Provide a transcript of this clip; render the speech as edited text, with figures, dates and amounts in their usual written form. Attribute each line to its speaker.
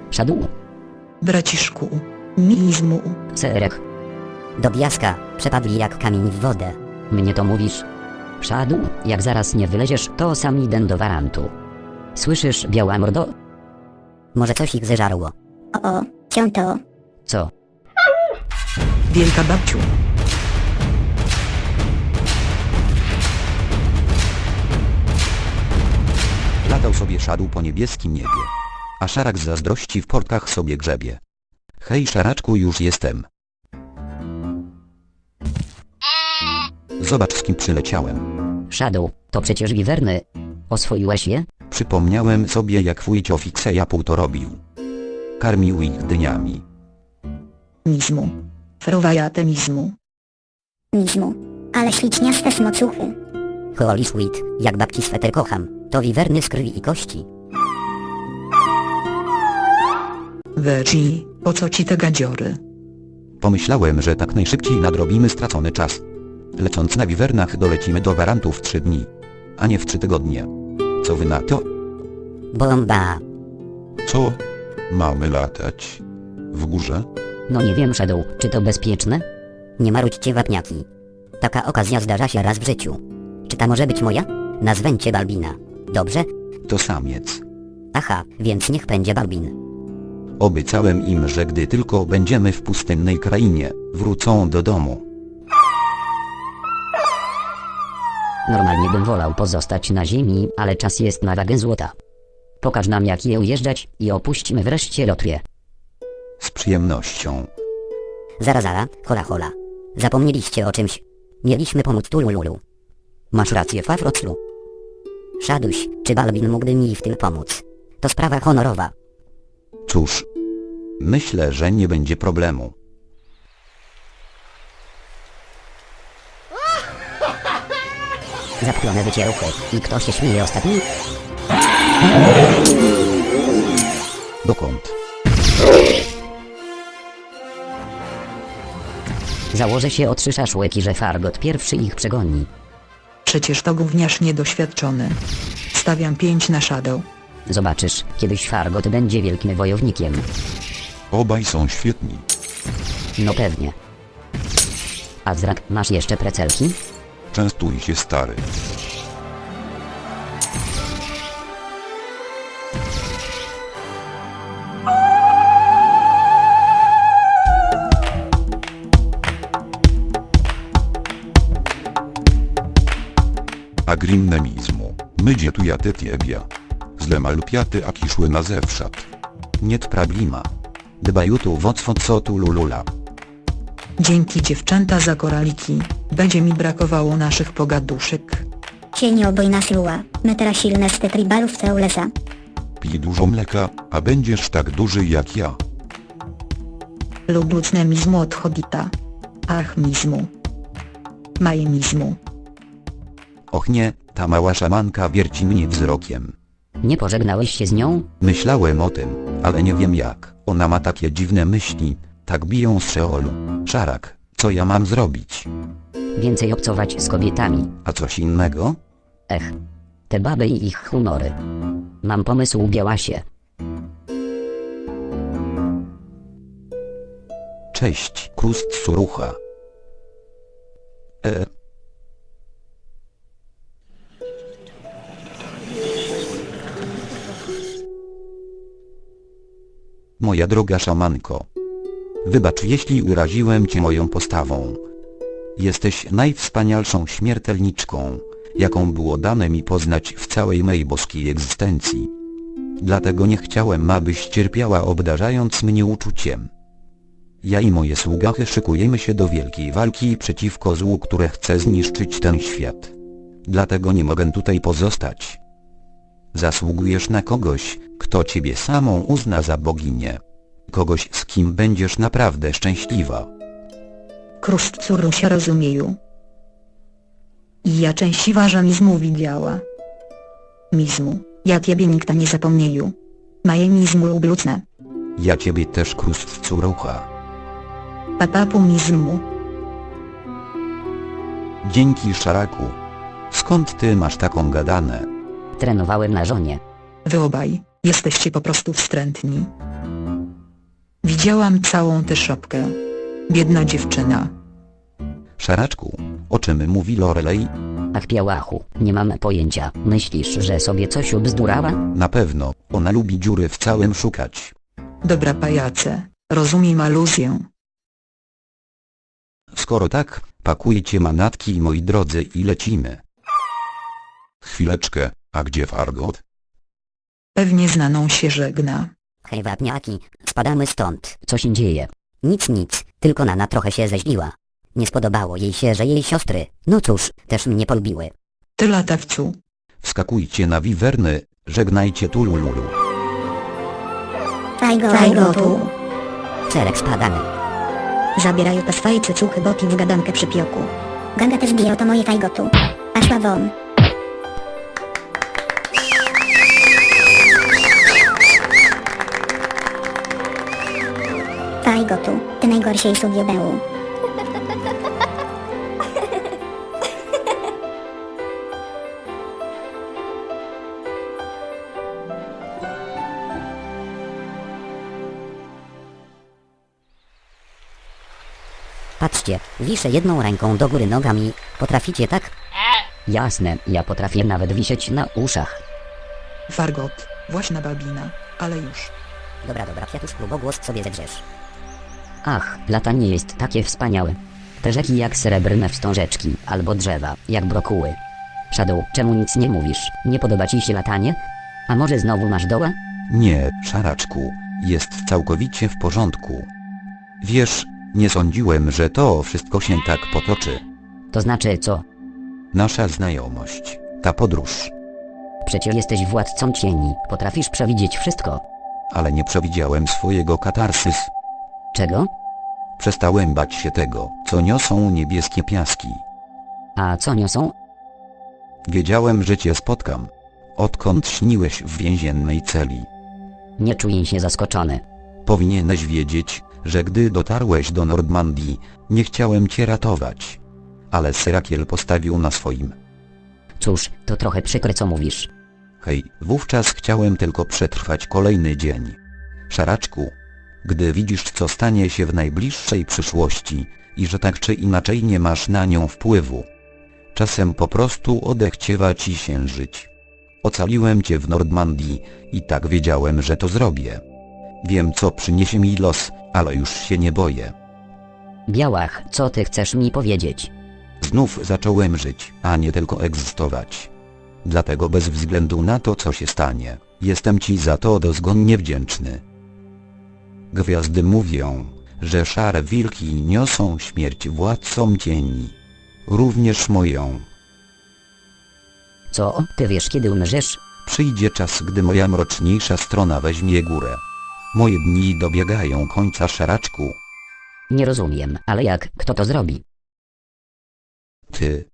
Speaker 1: Szadu.
Speaker 2: Braciszku. Mizmu.
Speaker 1: Serek.
Speaker 3: Do piaska, przepadli jak kamień w wodę.
Speaker 1: Mnie to mówisz? Szadu, jak zaraz nie wyleziesz, to sam idę do warantu. Słyszysz, biała mordo?
Speaker 3: Może coś ich zeżarło.
Speaker 4: O, ciąto.
Speaker 1: Co?
Speaker 2: Wielka babciu.
Speaker 5: Latał sobie Szadu po niebieskim niebie. A Szarak z zazdrości w portkach sobie grzebie. Hej Szaraczku, już jestem. Zobacz z kim przyleciałem.
Speaker 1: Szadu, to przecież wiwerny. Oswoiłeś je?
Speaker 5: Przypomniałem sobie jak wujcio Fiksejapu to robił. Karmił ich dyniami.
Speaker 2: Mizmu. Frowajate mizmu.
Speaker 4: Mizmu. Ale śliczniaste smocuchy.
Speaker 3: Holy sweet, jak babci sweter kocham. To wiwerny z krwi i kości.
Speaker 2: Veggie, po co ci te gadziory?
Speaker 5: Pomyślałem, że tak najszybciej nadrobimy stracony czas. Lecąc na wiwernach dolecimy do warantu w 3 dni. A nie w 3 tygodnie. Co wy na to?
Speaker 3: Bomba.
Speaker 6: Co? Mamy latać? W górze?
Speaker 1: No nie wiem, Szadu, czy to bezpieczne?
Speaker 3: Nie marudźcie wapniaki. Taka okazja zdarza się raz w życiu. Czy ta może być moja? Nazwę cię Balbina. Dobrze?
Speaker 5: To samiec.
Speaker 3: Aha, więc niech będzie Balbin.
Speaker 5: Obiecałem im, że gdy tylko będziemy w pustynnej krainie, wrócą do domu.
Speaker 1: Normalnie bym wolał pozostać na ziemi, ale czas jest na wagę złota. Pokaż nam jak je ujeżdżać i opuśćmy wreszcie Lotrię.
Speaker 5: Z przyjemnością.
Speaker 3: Zara, hola. Zapomnieliście o czymś. Mieliśmy pomóc Tulululu.
Speaker 1: Masz rację, Fafroclu.
Speaker 3: Szaduś, czy Balbin mógłby mi w tym pomóc? To sprawa honorowa.
Speaker 5: Cóż. Myślę, że nie będzie problemu.
Speaker 3: Zapchlone wycieruchy. I kto się śmieje ostatni?
Speaker 5: Dokąd?
Speaker 1: Założę się o 3 szaszłyki, że Fargot pierwszy ich przegoni.
Speaker 2: Przecież to gówniarz niedoświadczony. Stawiam 5 na Shadow.
Speaker 1: Zobaczysz, kiedyś Fargot będzie wielkim wojownikiem.
Speaker 6: Obaj są świetni.
Speaker 1: No pewnie. Azrak, masz jeszcze precelki?
Speaker 6: Częstuj się, stary. Agrimnemizmu. Mydzie tu jaty tiebia. Zlema lupiaty aki szły na zewszat.
Speaker 5: Niet prablima. Dbaju tu co tu lulula.
Speaker 2: Dzięki dziewczęta za koraliki. Będzie mi brakowało naszych pogaduszek.
Speaker 4: Cienie obojna siła. Metra silne z te tribalów Ceulesa.
Speaker 6: Pij dużo mleka, a będziesz tak duży jak ja.
Speaker 2: Lublucne mizmu od Hobbita. Ach mizmu. Maje mizmu.
Speaker 5: Och nie, ta mała szamanka wierci mnie wzrokiem.
Speaker 1: Nie pożegnałeś się z nią?
Speaker 5: Myślałem o tym, ale nie wiem jak. Ona ma takie dziwne myśli, tak biją z Szeolu. Szarak, co ja mam zrobić?
Speaker 1: Więcej obcować z kobietami.
Speaker 5: A coś innego?
Speaker 1: Ech. Te baby i ich humory. Mam pomysł, Białasie.
Speaker 5: Cześć, Krust Surucha. Moja droga szamanko. Wybacz jeśli uraziłem cię moją postawą. Jesteś najwspanialszą śmiertelniczką, jaką było dane mi poznać w całej mej boskiej egzystencji. Dlatego nie chciałem, abyś cierpiała obdarzając mnie uczuciem. Ja i moje sługachy szykujemy się do wielkiej walki przeciwko złu, które chce zniszczyć ten świat. Dlatego nie mogę tutaj pozostać. Zasługujesz na kogoś, kto ciebie samą uzna za boginię. Kogoś, z kim będziesz naprawdę szczęśliwa.
Speaker 2: Krust Curusia rozumieju. I ja szczęśliwa, że mizmu widziała. Mizmu, ja ciebie nigdy nie zapomnieju. Maje mizmu lublucne.
Speaker 5: Ja ciebie też, Krust Curucha.
Speaker 2: Papapu mizmu.
Speaker 5: Dzięki, Szaraku. Skąd ty masz taką gadanę?
Speaker 1: Trenowałem na żonie.
Speaker 2: Wy obaj, jesteście po prostu wstrętni. Widziałam całą tę szopkę. Biedna dziewczyna.
Speaker 5: Szaraczku, o czym mówi Lorelej?
Speaker 1: Ach piałachu, nie mam pojęcia. Myślisz, że sobie coś ubzdurała?
Speaker 5: Na pewno, ona lubi dziury w całym szukać.
Speaker 2: Dobra pajace, rozumiem aluzję.
Speaker 5: Skoro tak, pakujcie manatki moi drodzy i lecimy.
Speaker 6: Chwileczkę, a gdzie Fargot?
Speaker 2: Pewnie znaną się żegna.
Speaker 3: Hej wapniaki, spadamy stąd.
Speaker 1: Co się dzieje?
Speaker 3: Nic, tylko Nana trochę się zeźliła. Nie spodobało jej się, że jej siostry, no cóż, też mnie polubiły.
Speaker 2: Ty latawcu.
Speaker 5: Wskakujcie na wiwerny, żegnajcie tulululu.
Speaker 4: Fajgotu.
Speaker 3: Cerek spadamy.
Speaker 4: Zabierają te swoje cycuchy boki w gadankę przy pioku. Ganga też bije to moje fajgotu. A szła won. Fajgotu, ty najgorsiej sobie bełu.
Speaker 3: Patrzcie, wiszę jedną ręką do góry nogami. Potraficie tak?
Speaker 1: Jasne, ja potrafię nawet wisieć na uszach.
Speaker 2: Fargot, właśnie Balbina, ale już.
Speaker 3: Dobra, kwiatuszku, bo głos sobie zegrzesz.
Speaker 1: Ach, latanie jest takie wspaniałe. Te rzeki jak srebrne wstążeczki, albo drzewa, jak brokuły. Shadow, czemu nic nie mówisz? Nie podoba ci się latanie? A może znowu masz doła?
Speaker 5: Nie, Szaraczku, jest całkowicie w porządku. Wiesz, nie sądziłem, że to wszystko się tak potoczy.
Speaker 1: To znaczy co?
Speaker 5: Nasza znajomość, ta podróż.
Speaker 1: Przecież jesteś władcą cieni, potrafisz przewidzieć wszystko.
Speaker 5: Ale nie przewidziałem swojego katarsys.
Speaker 1: Czego?
Speaker 5: Przestałem bać się tego, co niosą niebieskie piaski.
Speaker 1: A co niosą?
Speaker 5: Wiedziałem, że cię spotkam. Odkąd śniłeś w więziennej celi.
Speaker 1: Nie czuję się zaskoczony.
Speaker 5: Powinieneś wiedzieć, że gdy dotarłeś do Normandii, nie chciałem cię ratować. Ale Serakiel postawił na swoim.
Speaker 1: Cóż, to trochę przykre co mówisz.
Speaker 5: Hej, wówczas chciałem tylko przetrwać kolejny dzień. Szaraczku, gdy widzisz co stanie się w najbliższej przyszłości i że tak czy inaczej nie masz na nią wpływu. Czasem po prostu odechciewa ci się żyć. Ocaliłem cię w Normandii i tak wiedziałem, że to zrobię. Wiem co przyniesie mi los, ale już się nie boję.
Speaker 1: Białach, co ty chcesz mi powiedzieć?
Speaker 5: Znów zacząłem żyć, a nie tylko egzystować. Dlatego bez względu na to co się stanie, jestem ci za to dozgonnie wdzięczny. Gwiazdy mówią, że szare wilki niosą śmierć władcom cieni. Również moją.
Speaker 1: Co, ty wiesz kiedy umrzesz?
Speaker 5: Przyjdzie czas, gdy moja mroczniejsza strona weźmie górę. Moje dni dobiegają końca, Szaraczku.
Speaker 1: Nie rozumiem, ale jak, kto to zrobi?
Speaker 5: Ty,